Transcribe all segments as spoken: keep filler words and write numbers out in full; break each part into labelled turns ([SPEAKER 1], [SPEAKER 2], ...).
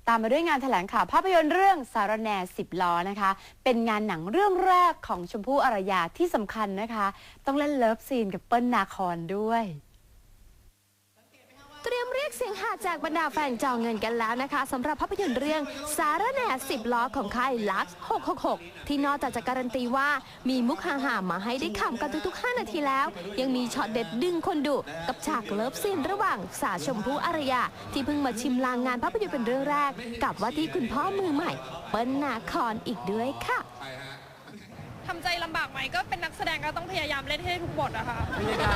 [SPEAKER 1] ตามมาด้วยงานแถลงข่าวภาพยนตร์เรื่องสารแหน่สิบล้อนะคะเป็นงานหนังเรื่องแรกของชมพู่อารยาที่สำคัญนะคะต้องเล่นเลิฟซีนกับเปิ้ลนาคอนด้วย
[SPEAKER 2] เตรียมเรียกเสียงหาจากบรรดาแฟนจองเงินกันแล้วนะคะสำหรับภาพยนตร์เรื่องสารแหน่สิบล้อของค่ายลักซ์หกหกหกที่นอกจากจะการันตีว่ามีมุกฮาๆมาให้ได้ขำกันทุกๆห้านาทีแล้วยังมีช็อตเด็ดดึงคนดุกับฉากเลิฟซีนระหว่างสาวชมพู่อารยาที่เพิ่งมาชิมลางงานภาพยนตร์เป็นเรื่องแรกกับว่าที่คุณพ่อมือใหม่เปิ้ลนาคอนอีกด้วยค่ะ
[SPEAKER 3] ทำใจลำบากไหมก็เป็นนักแสดงก็ต้องพยายามเล่นให้ทุกบทอะค่ะ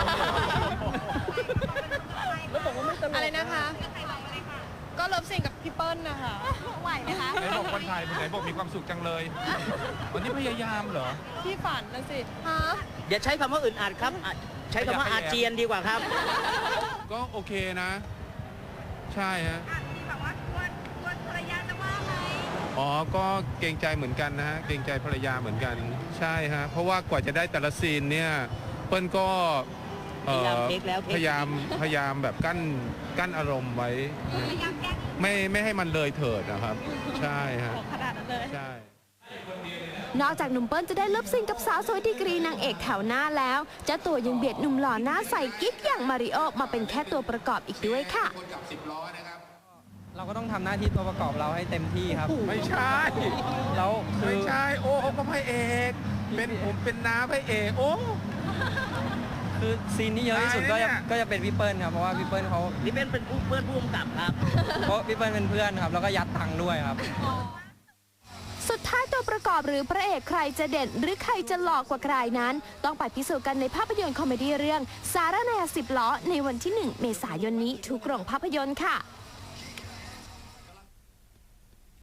[SPEAKER 3] อะไรนะคะ ก็เลิฟซีนกับพี่เปิ้ลนะคะไหวไหมคะ
[SPEAKER 4] ไหนบอกคนไทยไหนบอกมีความสุขจังเลยวันนี้พยายามเหรอ
[SPEAKER 3] พี่ฝันนะสิฮะ
[SPEAKER 5] อย่าใช้คำว่าอึดอัดครับใช้คำว่าอาเจียนดีกว่าครับ
[SPEAKER 4] ก็โอเคนะใช่ฮะ
[SPEAKER 3] แบบว่ากลัวกลัวภรรยาจะว่าไหม
[SPEAKER 4] อ๋อก็เกรงใจเหมือนกันนะฮะเกรงใจภรรยาเหมือนกันใช่ฮะเพราะว่ากว่าจะได้แต่ละซีนเนี่ยเปิ้ลก็พยายามพยายามพยายามแบบกั้นกั้นอารมณ์ไว้ไม่ไม่ให้มันเลยเถิดนะครับใช่ฮะ
[SPEAKER 3] ขนาดนั้นเลย
[SPEAKER 4] ใช่
[SPEAKER 2] นอกจากหนุ่มเปิ้ลจะได้เลิฟซีนกับสาวสวยดีกรีนางเอกแถวหน้าแล้วเจ้าตัวยังเบียดหนุ่มหล่อหน้าใสกิ๊กอย่างมาริโอมาเป็นแค่ตัวประกอบอีกด้วยค่ะ
[SPEAKER 6] เราก็ต้องทำหน้าที่ตัวประกอบเราให้เต็มที่ครับ
[SPEAKER 4] ไม่ใช่
[SPEAKER 6] แล้ว
[SPEAKER 4] ไม่ใช่โอ้เขาก็พระเอกเป็นผมเป็นน้าพระเอกโอ้
[SPEAKER 6] คือซีนที่เยอะที่สุดก็จะก็จะเป็นพี่เปิ้ลครับเพราะว่าพี่เปิ้ลเขา
[SPEAKER 5] พี่เปิ้ลเป็นเพื่อนผู้กำกับครับ
[SPEAKER 6] เพราะพี่เปิ้ลเป็นเพื่อนครับแล้วก็ยัดตังค์ด้วยครับ
[SPEAKER 2] สุดท้ายตัวประกอบหรือพระเอกใครจะเด่นหรือใครจะหลอกกว่าใครนั้นต้องไปพิสูจน์กันในภาพยนตร์คอมเมดี้เรื่องสารแหน่สิบล้อในวันที่หนึ่งเมษายนนี้ทุกโรงภาพยนตร์ค่ะ